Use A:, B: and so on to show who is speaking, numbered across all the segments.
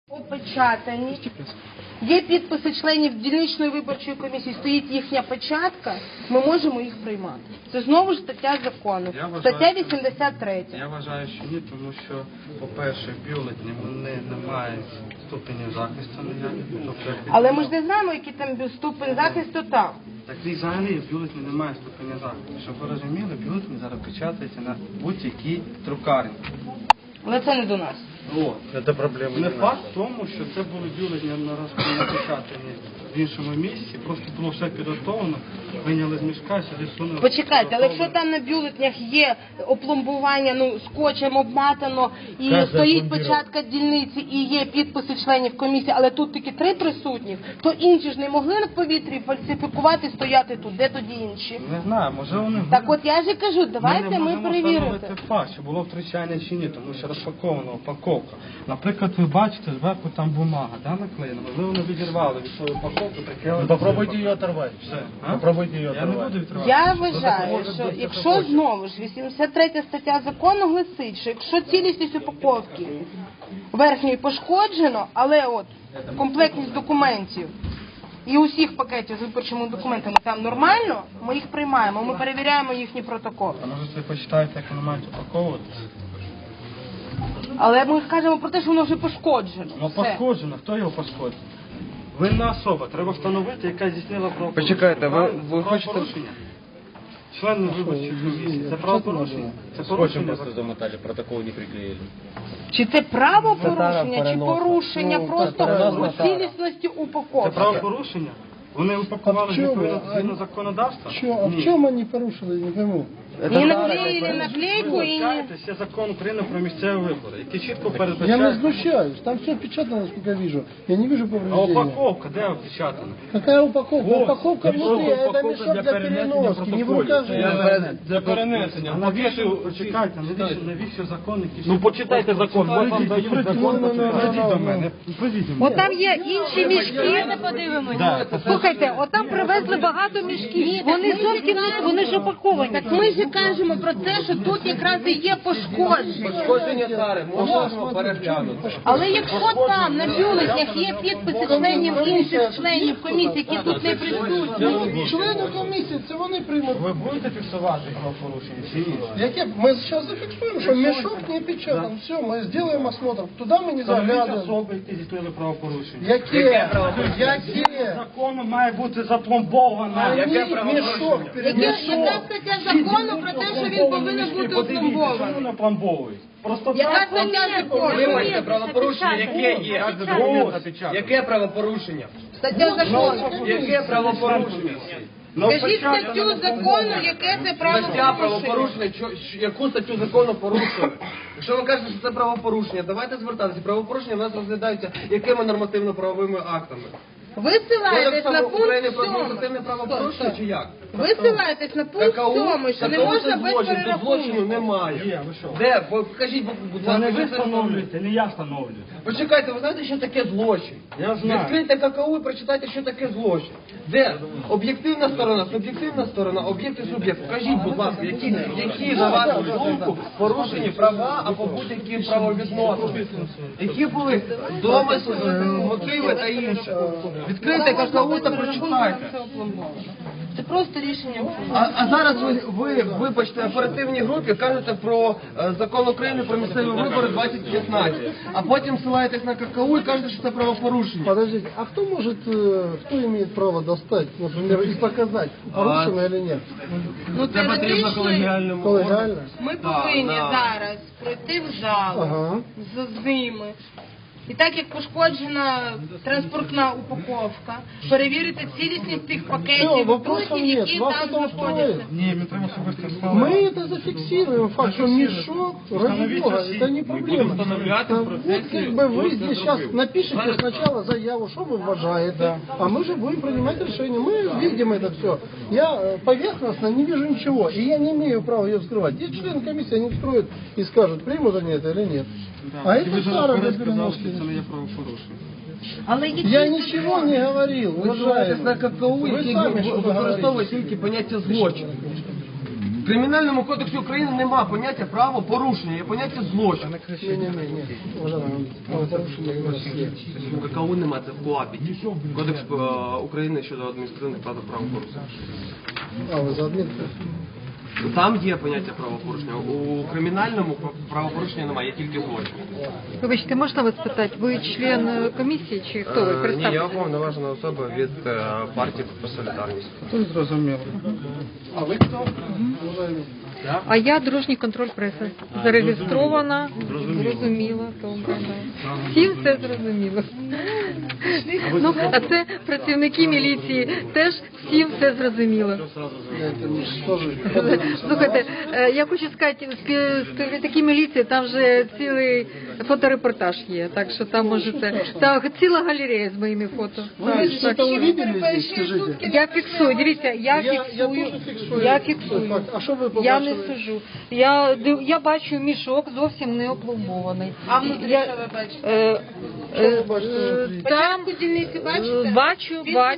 A: Опечатані. Є підписи членів дільничної виборчої комісії, стоїть їхня печатка, ми можемо їх приймати. Це знову ж стаття закону. Стаття 83.
B: Я вважаю, що ні, тому що, по-перше, бюлетні, вони не мають ступеню захисту ніяких.
A: Але ми ж не знаємо, який там ступень захисту там.
B: Так і взагалі бюлетні не мають ступеня захисту. Щоб ви розуміли, бюлетні зараз печатаються на будь-якій друкарні.
A: Але це не до нас.
B: Це проблема. Не факт в тому, що це були бюлетні напечатані в іншому місці, просто було все підготовлено, вийняли з мішка, сюди сунули.
A: Почекайте, але якщо там на бюлетнях є опломбування, скотчем обматано, і стоїть печатка дільниці, і є підписи членів комісії, але тут тільки 3 присутніх, то інші ж не могли на повітрі фальсифікувати, стояти тут. Де тоді інші?
B: Не знаю, може вони...
A: Так от я ж і кажу, давайте ми перевіримо.
B: Це факт, чи було втручання чи ні, тому що розпакована упаковка. Наприклад, ви бачите, зверху там бумага, наклеєна, можливо, вони відірвали від своєї упаковки.
C: Попробуйте її оторвати.
B: Попробуйте її оторвати. Я не буду відривати.
A: Я вважаю, що якщо знову ж 83 стаття закону гласить, що якщо цілісність упаковки верхньої пошкоджено, але от комплектність документів і усіх пакетів з виборчими документами там нормально, ми їх приймаємо, ми перевіряємо їхні протоколи.
B: А може ви почитаєте, як вони мають упаковуватися?
A: Але ми кажемо про те, що воно вже пошкоджено.
B: Ну пошкоджено, хто його пошкодив? Винна особа, треба встановити, яка здійснила правопорушення.
C: Почекайте, ви хочете...
B: Член виборчої комісії. Це правопорушення? Це
C: Скотчем просто замотали, протокол не приклеїли.
A: Чи це правопорушення, чи порушення просто цілісності упаковки?
B: Це правопорушення? Вони упакували відповідно законодавства?
D: А в чому вони порушили, не пойму?
A: І наклеїли наклейку, і...
B: Є закон України про місцеві вибори, який чітко передбачає...
D: Я не знущаюсь, там все печатано, насколько я вижу. Я не вижу
B: А
D: повреждения.
B: упаковка, де опечатана?
D: Какая упаковка? Упаковка внутри, а это мешок для переноски, не в руках же.
B: Для перенесення. А навіщо, почекайте, навіщо закон, який...
C: Ну почитайте закон, вот вам дають закон.
B: Прийдіть до мене, прийдіть до мене.
E: От там є інші мішки, не подивимося. Слухайте, от там привезли багато мішків. Вони зовсім не, вони ж упаковані.
A: Так ми ж кажемо про те, що тут якраз і є пошкодження.
C: Пошкодження тари, можемо переглянути.
A: Але якщо там на бюлетнях є підписи членів інших членів комісії, які тут не присутні.
D: Члени комісії, це вони приймуть.
B: Ви будете фіксувати правопорушення чи ні?
D: Яке? Ми зараз зафіксуємо, що мішок не печатан. Все, ми зробимо осмотр. Туди ми не заглядуємо.
B: Особи, які здійснили правопорушення.
D: Яке?
B: Закону має бути запломбована.
D: Мішок
A: Яка стаття закону про те, що він повинен бути опломбований?
B: Чому не пломбовують? Просто
A: Яка
B: так.
A: стаття закону?
C: Вибачте, правопорушення, яке є? Яке правопорушення?
A: Стаття закону.
C: Яке правопорушення?
A: Скажіть статтю закону, яке це
C: Стаття
A: правопорушення.
C: правопорушення, яку статтю закону порушили? Якщо ви кажете, що це правопорушення, давайте звертатися. Правопорушення в нас розглядаються якими нормативно-правовими актами?
A: Ви ссилаєтесь на
C: Кодексом України
A: пункт
C: про
A: 7.
C: адміністративне правопорушення чи як?
A: Ви ссилаєтесь на пункт 7, що не можна без
C: злочину
A: перерахунку.
C: немає.
B: Є, ви що?
C: Де? Покажіть, будь
B: Це не
C: ласка,
B: ви встановлюєте, не я встановлюю.
C: Почекайте, ви знаєте, що таке злочин?
B: Я знаю.
C: Відкрийте ККУ і прочитайте, що таке злочин. Де? Об'єктивна сторона, суб'єктивна сторона, об'єкт і суб'єкт. Покажіть, будь ласка, які на вашу думку порушені права або будь-які правовідносини. Які були домисли, мотиви та інше. Відкрийте ККУ та прочитайте.
A: Це просто рішення.
C: А зараз ви, вибачте, в оперативній групі кажете про закон України про місцеві вибори 2015, а потім ссилаєтесь на ККУ і кажете, що це правопорушення.
D: Подождите, а кто имеет право достать, например, и показать, порушено или нет?
A: Ну, теоретично,
D: Коллегиально?
A: ми повинні зараз пройти в залу
D: Ага.
A: з ними. І так як пошкоджена транспортна упаковка, перевірити цілісність тих
D: Все,
A: пакетів,
D: вопросов
A: трусів,
D: нет.
A: які
D: Вас
A: там
D: это устроит?
A: знаходяться.
B: Ні, ми треба особисто
D: Мы это зафиксируем, факт, что мешок, ради бога, это не проблема. Вот как бы вы здесь сейчас напишите сначала заяву, что вы уважаете, а мы же будем принимать решение. Мы видим это все. Я поверхностно не вижу ничего, и я не имею права ее вскрывать. Есть члены комиссии, они вскроют и скажут, примут они это или нет. А это старое для переноски.
B: це не є правопорушення.
A: Але які
D: Я ничего не говорил,
C: Ви ссилаєтесь на
D: уважаемый.
C: ККУ,
D: Ви
C: який
D: самі що
C: використовує
D: говорите?
C: тільки поняття злочину. В Кримінальному кодексі України нема поняття правопорушення, є поняття злочин.
D: Ні. Уважаемый, правопорушення у нас є.
C: Какого нема, це в КУАПі. Кодекс України щодо адміністративних правопорушень.
D: А, ви за адмін?
C: Там є поняття правопорушення. У кримінальному правопорушення немає, є тільки злочин.
E: Вибачте, можна вас питати? Ви член комісії чи хто ви?
C: Ні, я
E: Представте.
C: уповноважена особа від партії про солідарність.
B: Тут зрозуміло.
D: А ви хто? Уважаемый.
E: А я дорожній контроль преси. Зареєстрована, зрозуміла. Добре, да. Всім все зрозуміло. Ну, а це працівники міліції теж всім все зрозуміло. Слухайте, я хочу сказати, співробітники міліції, там вже цілий фоторепортаж є, так що там можете, так, ціла галерея з моїми фото.
D: Ви щось увидели здесь, скажите?
E: Я фіксую, дивіться, я фіксую,
D: теж фіксую.
E: я фіксую.
D: Так, а що ви
E: Я не
D: побачили?
E: сужу. Я бачу мішок зовсім не опломбований.
A: А внутрі
E: Я-
A: що ви бачите?
D: Що ви бачите внутрі?
E: Там
A: Початку дільниці бачите?
E: бачу,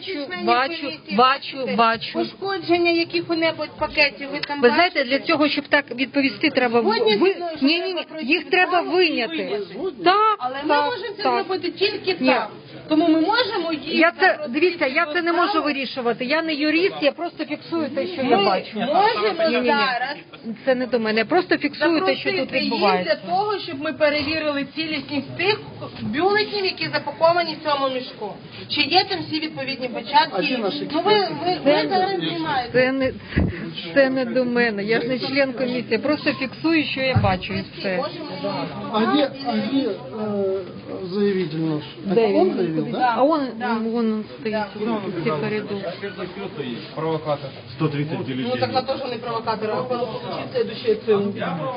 A: Пошкодження яких-небудь пакетів ви там
E: Ви
A: бачите?
E: знаєте, для цього, щоб так відповісти, треба
A: Сьогодні
E: ви...
A: зі мною, що
E: Ні,
A: треба пройти
E: їх треба
A: справу і
E: виняти.
A: вияснити.
E: Так,
A: Але ми
E: так,
A: можемо це
E: так.
A: зробити тільки
E: Ні.
A: так. Тому ми можемо їх
E: Я це,
A: запросити
E: дивіться, я
A: до
E: це не можу
A: залу.
E: вирішувати. Я не юрист, я просто фіксую те, що
A: Ми
E: я бачу.
A: можемо
E: Ні-ні-ні.
A: зараз
E: Це не до мене. Я просто фіксую те, що тут
A: запросити їх
E: відбувається.
A: для того, щоб ми перевірили цілісність тих бюлетнів, які запаковані в цьому мішку. Чи є там всі відповідні
D: А
A: початки?
D: де наші
A: Ну ви зараз знімаєте.
E: Це не до мене. Я ж не член комісії. Я просто фіксую, що я бачу, і все.
D: А где заявитель наш?
E: Де
D: Это он
E: він?
D: заявил, да?
E: А он стоїть в цій коридорі.
B: Провокатор. 130
A: Ну так на то, що не провокатор, а получить следующее ЦУ.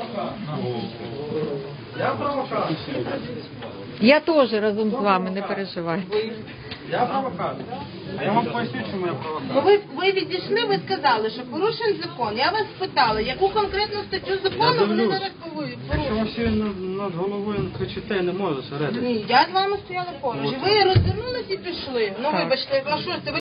E: Я теж разом з вами, не переживайте.
B: Я провокатор. А я вам поясню, чому я провокатор.
A: Ну ви відійшли, ви сказали, що порушен закон. Я вас спитала, яку конкретну статтю закону вони зараз
B: Якщо
A: порушують?
B: ви всі над головою кричите, я не можу зосередитися.
A: Ні, я з вами стояла поруч. І ви розвернулись і пішли. Ну
E: Так.
A: вибачте, а що ж це? Ви